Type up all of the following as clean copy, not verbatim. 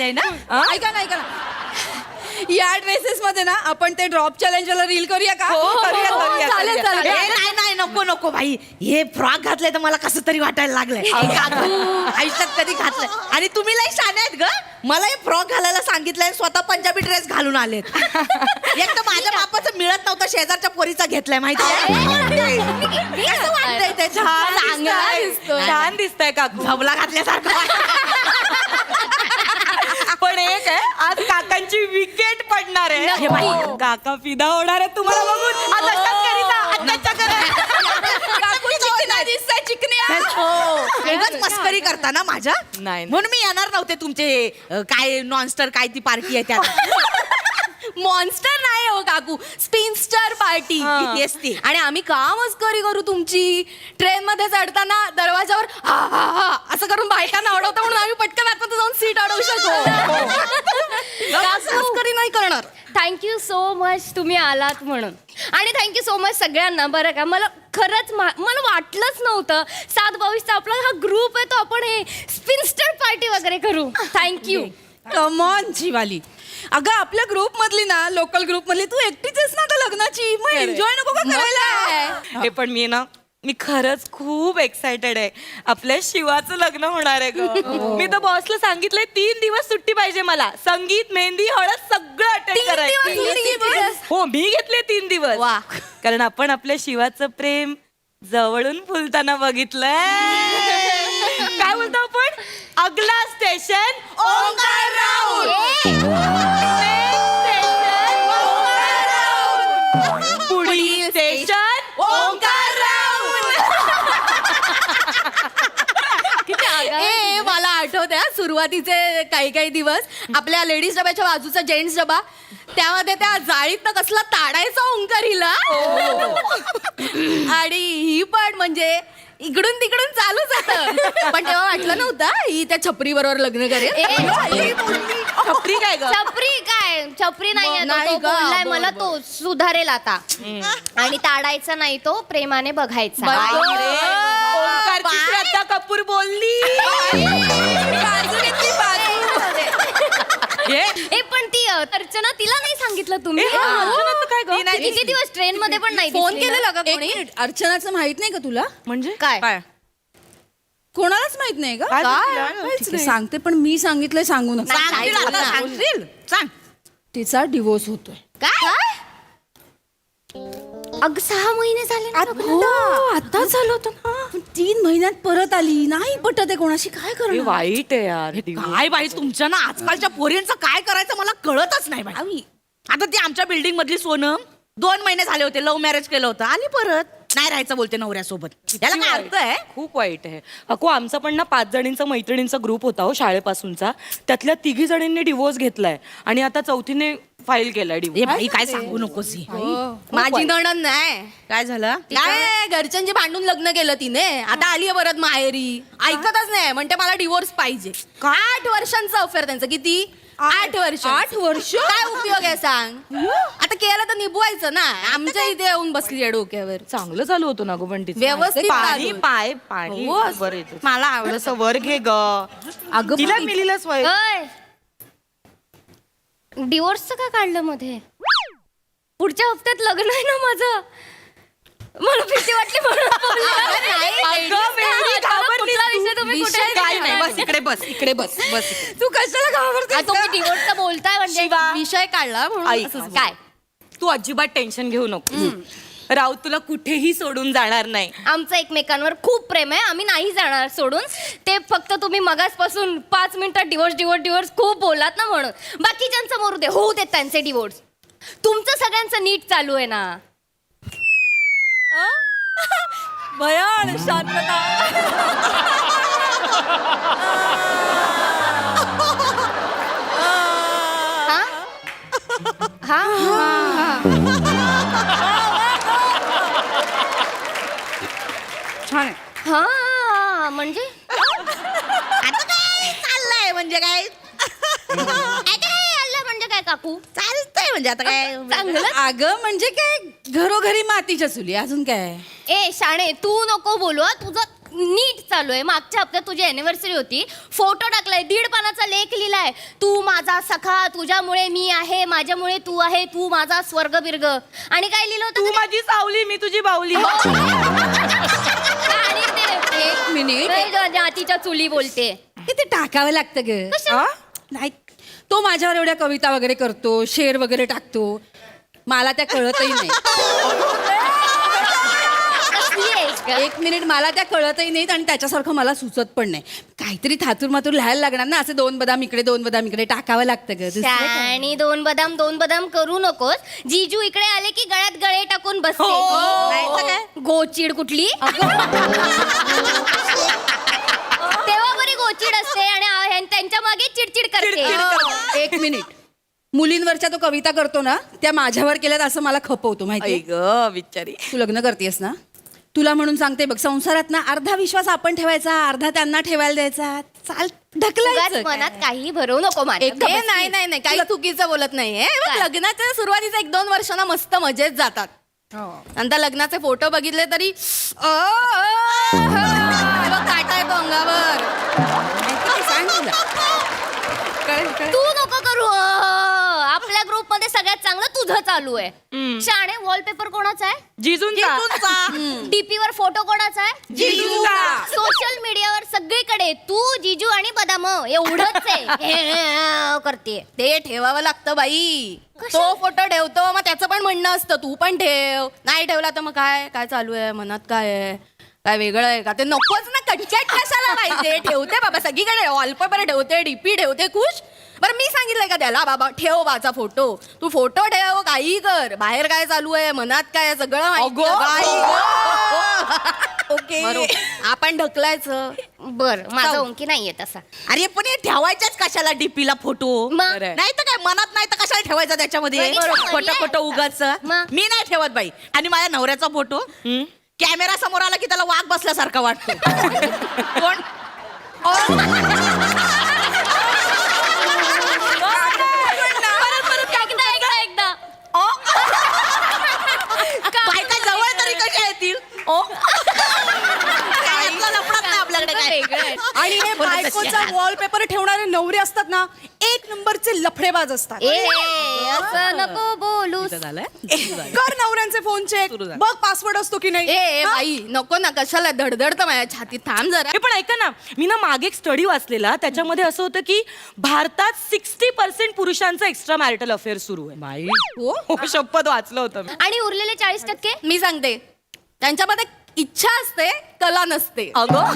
आले ना. ऐका ना या ड्रेसेस मध्ये ना आपण ते ड्रॉप चॅलेंजला रील करूया का? चालेल चालेल. नाही नको भाई, हे फ्रॉक घातलंय तर मला कसं तरी वाटायला लागलंय. आयुष्यात कधी घातलंय. आणि तुम्ही लई शाने आहेत ग. मला हे फ्रॉक घालायला सांगितलंय, स्वतः पंजाबी ड्रेस घालून आलेत. एक तर माझ्या बापाचं मिळत नव्हतं, शेजारच्या पोरीचा घेतलाय माहिती आहे. कसं वाटतंय ते? छान दिसतंय काकू. झबला घातल्यासारखं. पण एक आहे, आज काकांची विकेट पडणार आहे. काका फिदा होणार आहे तुम्हाला बघून. आज अशाच करीता, आत्ताच्या वेगळंच मस्करी करता ना माझ्या. नाही. म्हणून मी येणार नव्हते तुमचे काय नॉनस्टर काय ती पार्टी आहे त्यात. मॉन्स्टर नाही हो काकू, स्पिनस्टर पार्टी. येस ती. आणि आम्ही का मस्करी करू तुमची? ट्रेन मध्ये चढताना दरवाजावर हा हा हा असं करून बायकांना अडवता म्हणून आम्ही पटकन आतमध्ये जाऊन सीट अडवू शकतो. मस्करी नाही करणार. थँक्यू सो मच तुम्ही आलात म्हणून. आणि थँक्यू सो मच सगळ्यांना. बरं का, मला खरंच मला वाटलंच नव्हतं 7/22चा आपला हा ग्रुप आहे तो आपण हे स्पिनस्टर पार्टी वगैरे करू. थँक्यू. कमॉन जीवाली. अगं आपल्या ग्रुप मधली ना, लोकल ग्रुप मधली तू एकटीच आहेस ना आता लग्नाची. मग एन्जॉय नको का करायला? हे पण मी खरंच खूप एक्सायटेड आहे. आपल्या शिवाचं लग्न होणार आहे ग. मी तर बॉसला सांगितलंय 3 दिवस सुट्टी पाहिजे मला. संगीत, मेहंदी, हळद सगळं अटेंड करायचं. हो, मी घेतले 3 दिवस. वा. कारण आपण आपल्या शिवाचं प्रेम जवळून फुलताना बघितलंय. काय बोलतो आपण? अगला स्टेशन ओंकार राऊत. पुढील स्टेशन ओंकार राऊत. ए मला आठवत आहे सुरुवातीचे काही दिवस आपल्या लेडीज डब्याच्या बाजूचा जेंट्स डबा, त्यामध्ये त्या जाळीतनं कसला ताडायचा ओंकार हिला. आणि ही पण म्हणजे इकडून तिकडून चालूच होतं. पण तेव्हा वाटलं नव्हतं ही त्या छपरी बरोबर लग्न करेल. छपरी काय ग? छपरी नाही आहे नाही तो ग, बोललाय बोल, मला तो सुधारेल आता. आणि ताडायचा नाही तो, प्रेमाने बघायचा. ओंकारची श्रद्धा कपूर बोलली. ए पण ती अर्चना, तिला नाही सांगितलं तुम्ही? अर्चनाचं काय ग? ती नाही किती दिवस ट्रेन मध्ये पण नाही फोन दिसली ना? केलेला का कोणी? अर्चनाचं माहित नाही का तुला? म्हणजे काय? कोणालाच माहित नाही का? काय सांगितलं? ठीक आहे, सांगते पण मी सांगितलंय सांगू नका. सांगशील आता, सांगशील? सांग. तिचा डिवोर्स होतोय. काय? अग 6 महिने झाले ना लग्नाला. आता झालं होतं ना. 3 महिन्यात परत आली. नाही पटत आहे कोणाशी, काय हे करणार? वाईट आहे यार. काय बाई तुमच्या ना आजकालच्या पोरींचं काय करायचं मला कळतच नाही बाई. आता ती आमच्या बिल्डिंग मधली सोनम 2 महिने झाले होते, लव्ह मॅरेज केलं होतं, आली परत. नाही राहायचं बोलते नवऱ्यासोबत. त्याला काय अर्थ आहे? खूप वाईट आहे. अको आमचा पण ना 5 जणींचा मैत्रिणींचा ग्रुप होता हो शाळेपासूनचा. त्यातल्या 3 जणींनी डिवोर्स घेतलाय आणि आता 4थीने फाईल केलाय ए डिवोर्स. बाई काय सांगू नकोस ही. माझी नणंद नाही. काय झालं? काय घरच्यांची भांडून लग्न केलं तिने. आता आली आहे परत माहेरी. ऐकतच नाही, म्हणते मला डिवोर्स पाहिजे. 8 वर्षांचं अफेअर त्यांचं. किती? 8 वर्ष. 8 वर्ष काय उपयोग आहे सांग? आता केलं तर निभवायचं ना. आमच्या इथे येऊन बसली आहे डोक्यावर. चांगलं चालू होतं ना गो पण तिचं. व्यवस्थित पाणी चालू. पाय पाणी हो. वर येतं. मला आवडत. थोडंसं वर घे ग. अगं तिला बाई. मिलीला स्वय. डिवोर्सचं का काढलं मध्ये? पुढच्या हप्त्यात लग्न आहे ना माझं. मला भीती वाटली म्हणून बोलले. अगं, वेडी घाबरलीस कुठला तू. विषय तुम्ही कुठे विषय काय नाही. घेताय? बस इकडे बस, इकडे बस, बस इकडे. तू कशाला घाबरते? तुम्ही डिवोर्सचं बोलताय म्हणजे विषय काढला म्हणून ऐक. असंच. काय? तू अजिबात टेन्शन घेऊ नको. राऊत तुला कुठेही सोडून जाणार नाही. आमचं एकमेकांवर खूप प्रेम आहे. आम्ही नाही जाणार सोडून. ते फक्त तुम्ही मगासपासून 5 मिनिटात डिवोर्स खूप बोलात ना म्हणून. बाकीच्यांचं मरू दे, होऊ देत त्यांचे डिवोर्स. तुमचं सगळ्यांचं नीट चालू आहे ना. भयान शांतता. हा हा छान आहे. हा म्हणजे आता काय चाललंय म्हणजे काय? म्हणजे काय काकू? चालतंय म्हणजे आता काय? चांगलं. अगं म्हणजे काय, घरोघरी मातीच्या चुली, अजून काय? ए शाणे, तू नको बोलू हा. तुझं नीट चालू आहे. मागच्या हप्त्यात तुझी अॅनिव्हर्सरी होती, फोटो टाकलाय, 1.5 पानाचा लेख लिहिलाय. तू माझा सखा, तुझ्यामुळे मी आहे, माझ्यामुळे तू आहे, तू माझा स्वर्ग बिर्ग. आणि काय लिहिलं होतं? तू माझी सावली, मी तुझी बावली. आणि ते- एक मिनिट. जातीच्या चुली बोलते. ते टाकावं लागतं ग. हा? नाही, तो माझ्यावर एवढ्या कविता वगैरे करतो, शेर वगैरे टाकतो, मला त्या कळतही नाही. कसली आहेस का? एक मिनिट, मला त्या कळतही नाहीत आणि त्याच्यासारखं मला सुचत पण नाही. काहीतरी थातूर मातूर लिहायला लागणार ना, असे 2 बदाम इकडे 2 बदाम इकडे टाकावं लागतं ग. दुसरं काय? आणि 2 बदाम करू नकोस. जीजू इकडे आले की गळ्यात गळे टाकून बसते. नाहीतर काय? गोचिड कुठली तेव्हा बरी गोचिड असते आणि त्यांच्या मागे चिडचिड करते. एक मिनिट, मुलींवरच्या तो कविता करतो ना, त्या माझ्यावर केल्यात असं मला खपवतो माहिती. ग बिचारी. तू लग्न करतेस ना, तुला म्हणून सांगते बघ, संसारात ना अर्धा विश्वास आपण ठेवायचा, अर्धा त्यांना ठेवायला द्यायचा. चाल उगाच ढकलायचं मनात काही भरवू नको माझ्या. नाही नाही नाही, काही चुकीचं बोलत नाहीये. बघ, काय? लग्नाच्या सुरुवातीचा 1-2 वर्षांना मस्त मजेत जातात. नंतर लग्नाचे फोटो बघितले तरी काटा येतो अंगावर. सांग तुला. तू नको करू. आपल्या ग्रुप मध्ये सगळ्यात चांगलं तुझं चालू आहे. शाणे वॉलपेपर कोणाचा आहे? जिजूंचा. डीपी वर फोटो कोणाचा आहे? जिजूचा. सोशल मीडियावर सगळीकडे तू, जिजू आणि बदाम एवढंच आहे करते. ते ठेवावं लागतं बाई. तो फोटो ठेवतो, मग त्याचं पण म्हणणं असतं तू पण ठेव. नाही ठेवला तर मग काय काय चालू आहे, मनात काय आहे, काय वेगळं आहे का? ते नकोच ना, कटकट कशाला पाहिजे. ठेवते बाबा सगळीकडे, वॉलपेपर ठेवते, डीपी ठेवते, खुश. बरं मी सांगितलंय का त्याला, बाबा ठेव माझा फोटो, तू फोटो ठेव, काही कर, बाहेर काय चालू आहे, मनात काय आहे, सगळं माहिती आहे. ओके. आपण ढकलायचं. बर, माझा ओंकी नाहीये तसा. अरे पण हे ठेवायच्याच कशाला डीपीला फोटो? मग? नाही तर काय, मनात नाही तर कशाला ठेवायचा त्याच्यामध्ये? बरोबर. खोटं खोटं उगाच. मग? मी नाही ठेवत बाई. आणि माझ्या नवऱ्याचा फोटो कॅमेरा समोर आला की त्याला वाघ बसल्यासारखा वाटतो. कोण? एकदा बायका जवळ तरी कशा येतील? काय यातला लफडाच नाही आपल्याकडे काय. आणि हे बायकोचा वॉलपेपर ठेवणारे नवरे असतात ना, 1 नंबरचे लफडेबाज असतात. असं नको बोलू. कर नवऱ्यांचे फोन चेक, बघ पासवर्ड असतो की नाही. ए बाई नको ना, कशाला धडधडतं माझ्या छातीत. थांब जरा. हे पण ऐका ना, मी ना मागे एक स्टडी वाचलेला, त्याच्यामध्ये असं होतं की भारतात 60% पुरुषांचा एक्स्ट्रा मॅरिटल अफेअर सुरू आहे. हो, शपथ वाचलं होतं मी. आणि उरलेले 40%? मी सांगते, त्यांच्यामध्ये इच्छा असते, कला नसते.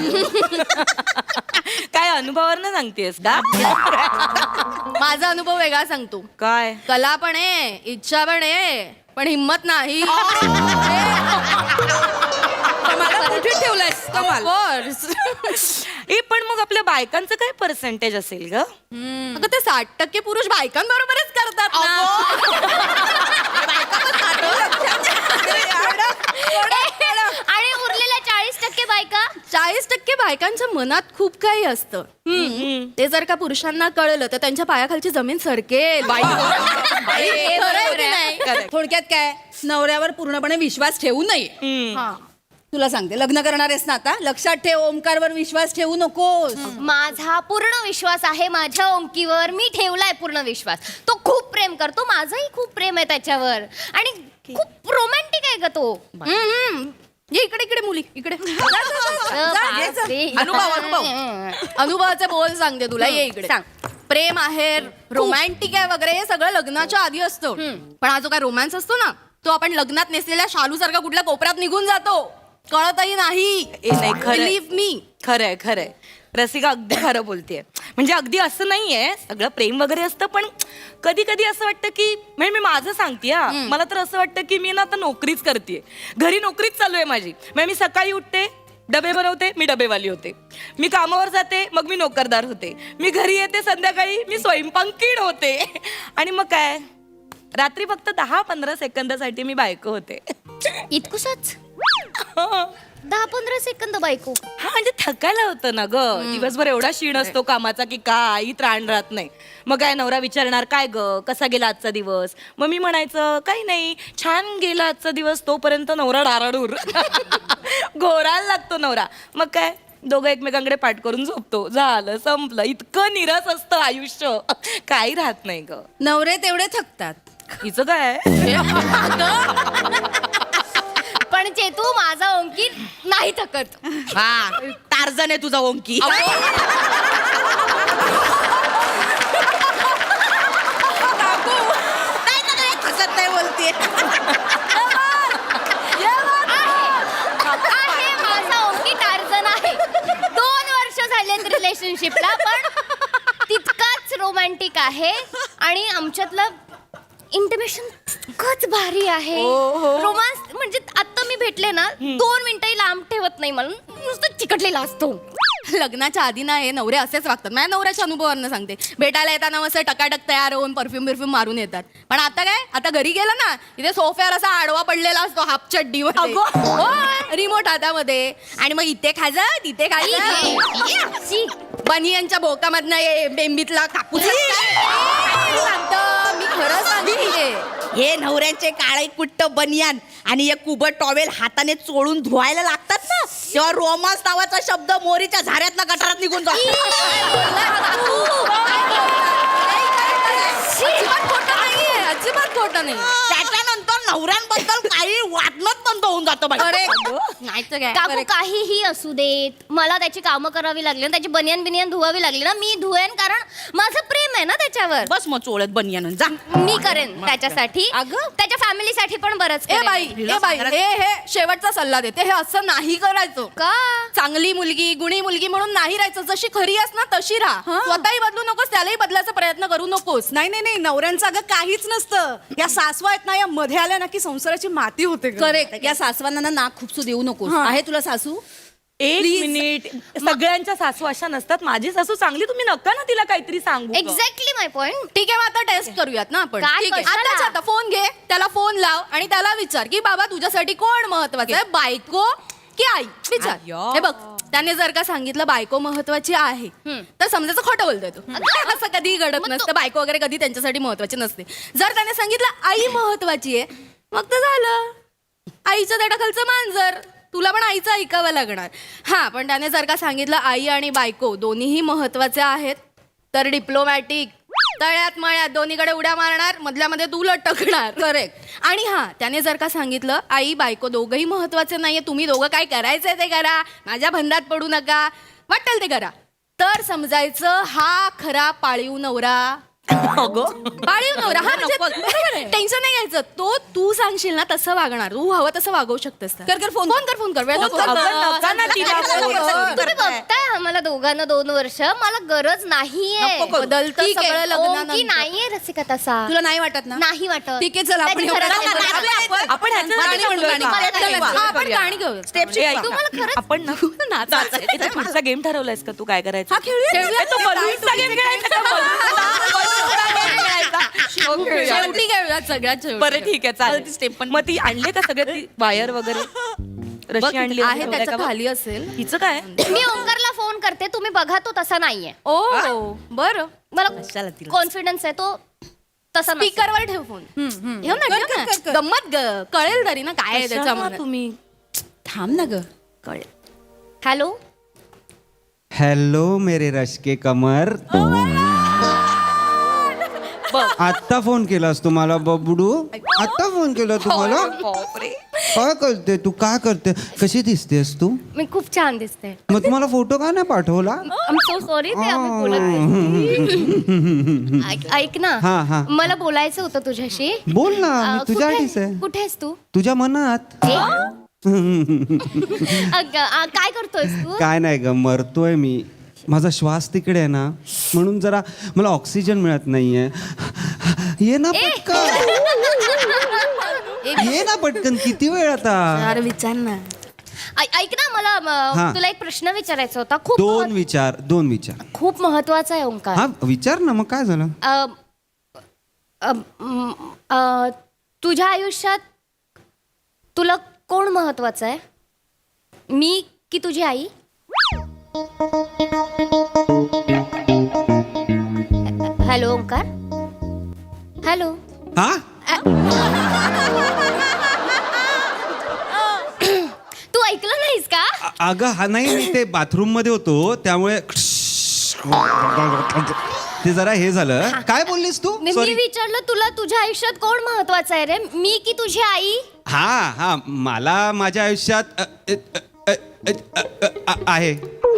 काय अनुभवावर सांगतेस का? माझा अनुभव वेगळा सांगतो. काय? कला पण आहे, इच्छा पण आहे, पण हिम्मत नाही. मला कुठे ठेवलंयस कमाल. ए पण मग आपल्या बायकांचं काय पर्सेंटेज असेल ग? अगं ते 60% पुरुष बायकांबरोबरच करतात ना. आणि उरलेल्या 40% बायका? 40% बायकांच्या मनात खूप काही असतं. ते जर का पुरुषांना कळलं तर त्यांच्या पायाखालची जमीन सरकेल. खरं आहे की नाही? थोडक्यात काय, नवऱ्यावर पूर्णपणे विश्वास ठेवू नये. तुला सांगते, लग्न करणार आहेस ना आता, लक्षात ठेव, ओमकारवर विश्वास ठेवू नकोस. माझा पूर्ण विश्वास आहे माझ्या ओंकीवर. मी ठेवलाय पूर्ण विश्वास. तो खूप प्रेम करतो, माझंही खूप प्रेम आहे त्याच्यावर. आणि खूप रोमॅन्टिक आहे का तो. ये इकडे इकडे मुली इकडे. बापरे. अनुभवाचे बोल सांगते तुला, ये इकडे. सांग. प्रेम आहे, रोमॅन्टिक आहे वगैरे, हे सगळं लग्नाच्या आधी असतं. पण हा जो काय रोमॅन्स असतो ना, तो आपण लग्नात नेसलेल्या शालू सारखा कुठल्या कोपऱ्यात निघून जातो, कळतही नाही. नाही, खरंय. Believe me. खरंय खरंय, रसिका अगदी खरं बोलतेय. म्हणजे अगदी असं नाहीये, सगळं प्रेम वगैरे असतं, पण कधी कधी असं वाटतं की, म्हणजे मी माझं सांगते हा, मला तर असं वाटतं की मी ना आता नोकरीच करते, घरी नोकरीच चालू आहे माझी. म्हणजे मी सकाळी उठते, डबे बनवते, मी डबेवाली होते. मी कामावर जाते, मग मी नोकरदार होते. मी घरी येते संध्याकाळी, मी स्वयंपाकीण होते. आणि मग काय, रात्री फक्त 10-15 सेकंदासाठी मी बायको होते. इतकुसच? 10-15 सेकंद बायको. हा म्हणजे थकायला होतं ना ग दिवसभर एवढा शीण असतो कामाचा की काही त्राण राहत नाही. मग काय नवरा विचारणार काय ग कसा गेला आजचा दिवस, मग मी म्हणायचं काही नाही छान गेला आजचा दिवस, तोपर्यंत नवरा डाराडूर घोरायला लागतो नवरा. मग काय दोघं एकमेकांकडे पाठ करून झोपतो, झालं संपलं. इतकं निरस असतं आयुष्य, काही राहत नाही ग. नवरे तेवढे थकतात. हिचं काय पण चेतू माझा ओंकी नाही थकत. हा टार्झन आहे तुझा ओंकी. नाही ना, काय हसत नाही बोलते. आहे माझा ओंकी टार्झन आहे. 2 वर्ष झालेत रिलेशनशिपला पण तितकाच रोमॅन्टिक आहे आणि आमच्यातलं इंटिमेशन इतकंच भारी आहे. रोमांस म्हणजे आता मी भेटले ना 2 मिनिटंही लांब ठेवत नाही, मला नुसतं चिकटलेला असतो. लग्नाच्या आधी ना हे नवरे असेच वागतात. माझ्या नवऱ्याच्या अनुभवावरनं सांगते. भेटायला येताना मस्त टकाटक तयार होऊन परफ्यूम मारून येतात. पण आता काय, आता घरी गेलं ना इथे सोफ्यावर असा आडवा पडलेला असतो हाफ चड्डीवर, रिमोट हातामध्ये, आणि मग इथे खायचं तिथे खायचं, बनियांच्या भोकामधनं बेंबीतला कापूस सांगतो. मी खरं सांगते, हे नवऱ्यांचे काळे कुट्ट बनियान आणि एक कुबट टॉवेल हाताने चोळून धुवायला लागतात ना, तेव्हा रोमांस नावाचा शब्द मोरीच्या झाऱ्यातला गटारात निघून जातो. अजिबात खोटं नाहीये, अजिबात खोटं नाही. त्याच्यानंतर नवऱ्यांबद्दल काही वाटणंच बंद होऊन जातं बाई. नाही तर काय. काकू काहीही असू देत, मला त्याची कामं करावी लागली ना, त्याची बनियान बिनियान धुवावी लागली ना, मी धुवेन, कारण माझं प्रेम आहे ना त्याच्यावर. बस मग चोळत बनियान जा. मी करेन त्याच्यासाठी, अगं. त्याच्या फॅमिलीसाठी पण बरंच ए करेन. बाई हे शेवटचा सल्ला देते, हे असं नाही करायचं. का चांगली मुलगी गुणी मुलगी म्हणून नाही राहायचं. जशी खरी आहेस ना तशी राहा. स्वतःही बदलू नकोस, त्यालाही बदलायचा प्रयत्न करू नकोस. नाही नाही नाही, नवऱ्यांचं अगं काहीच नसतं. या सासवा आहेत ना, या मध्ये आल्या ना की संसाराची माती होते. करेक्ट. या सासवांना ना नाक खुपसू देऊ नकोस. हा. आहे तुला सासू? एक Please. मिनिट, सगळ्यांच्या सासू अशा नसतात. माझी सासू चांगली, तुम्ही नका ना तिला काहीतरी सांगू ग. Exactly my point. ठीक आहे, मग आता टेस्ट करूयात ना आपण. काय ठीक आहे, कशाला? आताच आता फोन घे, त्याला फोन लाव आणि त्याला विचार की बाबा तुझ्यासाठी कोण महत्वाचं आहे, बायको की आई? विचार. अय्यो. हे बघ, त्याने जर का सांगितलं बायको महत्वाची आहे, तर समजायचं खोटं बोलतोय तू. असं कधी घडत नसतं. बायको वगैरे कधी त्यांच्यासाठी महत्वाची नसते. जर त्याने सांगितलं आई महत्वाची आहे, मग तर झालं, आईचं देठाखालचं मांजर. तुला पण आईचं ऐकावं लागणार. हा, पण त्याने जर का सांगितलं आई आणि बायको दोन्हीही महत्वाचे आहेत, तर डिप्लोमॅटिक, तळ्यात मळ्यात दोन्हीकडे उड्या मारणार, मधल्यामध्ये तू लटकणार. करेक्ट. आणि हा, त्याने जर का सांगितलं आई बायको दोघंही महत्वाचे नाहीये, तुम्ही दोघं काय करायचंय ते करा, माझ्या भंडात पडू नका, वाटेल ते करा, तर समजायचं हा खरा पाळीव नवरा. पाळीव नवरा. हा, म्हणजे टेन्शन नाही घ्यायचं. तो तू सांगशील ना तसं वागणार, तू हवं तसं वागवू शकतेस. कर फोन कर वेळ नको. अगं, नका ना तिला फोन. तुम्ही बघताय आम्हाला दोघांना 2 वर्ष, मला गरज नाहीये. बदलतं ठीक आहे. सगळं लग्नानंतर. ओंकी नाहीये रसिका तसा. तुला नाही वाटत ना? नाही वाटत. ठीक आहे, चल आपण त्याची खरंच एवढं- नाही वाटत. आपण ह्याच्यासाठी गाणी म्हणू, बोलतोय गाणी. का? चला, हा, आपण गाणी घेऊ. स्टेप ए, ऐक ना. तुम्हाला खरंच- आपण ना नाचायचं. पुढचा गेम ठरवलायस का तू काय करायचं? हा, खेळूया. तो बलूनचा गेम खेळायचा का? बलूनचा game खेळायचा. Okay, शेवटी घेऊयात सगळ्यात शेवटी. बरं ठीक आहे चालेल. स्टेप पण मग ती आणले का सगळे, ती वायर वगैरे रशी आणली आहे वगैरे त्याच्या का? खाली असेल. हिचं काय? मी ओंकारला फोन करते, तुम्ही बघा तो तसा नाहीये. ओ बरं, मला कशाला तिला? कॉन्फिडन्स आहे तो तसा नसेल. स्पीकरवर ठेव फोन. ठेव ना, ठेव ना. कर. गंमत कळेल तरी ना काय आहे कशाला त्याच्यामध्ये. तुम्ही थांब ना ग. कळेल. हॅलो. हेलो मेरे रश के कमर. आत्ता फोन केलास तुम्हाला बबडू? आत्ता फोन केला तुम्हाला? बापरे. काय करते तू? काय करते? कशी दिसतेस तू? मी खूप छान दिसते. मग तुम्हाला फोटो का नाही पाठवला? आय एम सो सॉरी, ते आम्ही बोलत नाही. ऐक हा, हा. ना, मला बोलायचं होतं तुझ्याशी. बोल ना, मी कुठे- तुझ्यासाठीच आहे. कुठे आहेस तू? तुझ्या मनात. काय करतोयस तू? काय नाही ग, मरतोय मी. माझा श्वास तिकडे आहे ना, म्हणून जरा मला ऑक्सिजन मिळत नाहीये. ये ना पटकन, ये ना पटकन. किती वेळ आता? अरे विचार ना. ऐक ना, मला हा. तुला एक प्रश्न विचारायचा होता. खूप दोन विचार. खूप महत्वाचा आहे ओंकार. हा विचार ना, मग काय झालं? तुझ्या आयुष्यात तुला कोण महत्वाचं आहे? मी की तुझी आई? हॅलो ओंकार. हॅलो. हा तू ऐकलं नाहीस का? अगं हा नाही मी ते बाथरूम मध्ये होतो त्यामुळे ते जरा हे झालं. काय बोललीस तू? मी सॉरी. विचारलं तुला तुझ्या आयुष्यात कोण महत्वाचं आहे रे, मी की तुझी आई? हा हा मला माझ्या आयुष्यात आहे.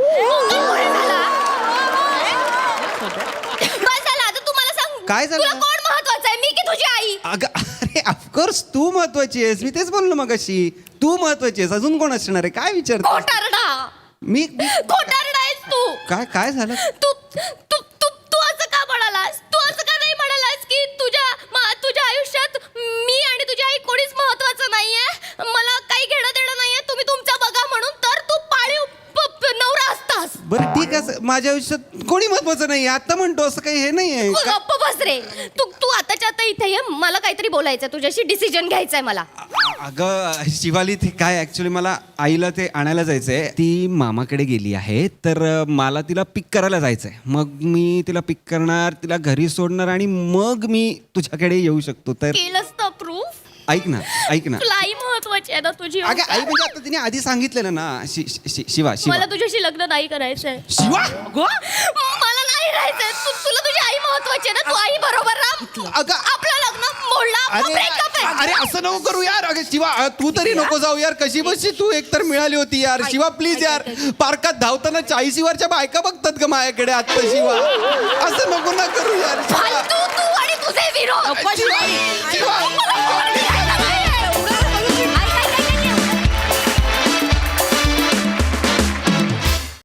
बस झालं, आता तू मला सांग. काय झालं? तुला कोण महत्वाचं आहे, मी की तुझी आई? अगं अरे ऑफकोर्स तू महत्वाची आहेस. मी तेच बोललो मगाशी. तू महत्वाची आहेस. अजून कोण असणार आहे? काय विचारतो खोटारडा. मी खोटारडा आहेस तू. काय झालं? तू तू तू तू असं का म्हणालास? तू असं का नाही म्हणालास की तुझ्या आयुष्यात मी आणि तुझी आई कोणीच महत्वाचं नाहीये, मला काही घेणं देणं नाहीये, तुम्ही तुमचं बघा म्हणून, तर तू पाळीव नवरा असतास. बरं ठीक आहे. माझ्या आयुष्यात कोणी महत्वाचं नाही. आता म्हणतो असं काही हे नाही आहे. गप्प बस रे. तू आताच्या आता इथे ये, मला काहीतरी बोलायचं, तुझ्याशी डिसिजन घ्यायचंय मला. अगं शिवाली ते काय ऍक्च्युली मला आईला ते आणायला जायचंय. ती मामाकडे गेली आहे तर मला तिला पिक करायला जायचंय. मग मी तिला पिक करणार, तिला घरी सोडणार आणि मग मी तुझ्याकडे येऊ शकतो. तर केलंस ना प्रूफ? ऐक ना. तुला आई महत्वाची आहे ना तुझी? अगं आई म्हणजे आता तिने आधी सांगितलेलं ना. शिवा मला तुझ्याशी लग्न नाही करायचंय. शिवा मला नाही राहायचंय. तुला तुझी आई महत्वाची आहे ना, तू आई बरोबर राहा. अगं आपलं लग्न मोडला, ब्रेकअप आहे. अरे असं नको करू यार. अगं शिवा तू तरी नको जाऊ यार. कशी बशी तू एकतर मिळाली होती यार. शिवा प्लीज यार. पार्कात धावताना 40 बायका बघतात का माझ्याकडे आता? शिवा असं नको ना करू यार. शिवा. फालतू तू आणि तुझे विरोध.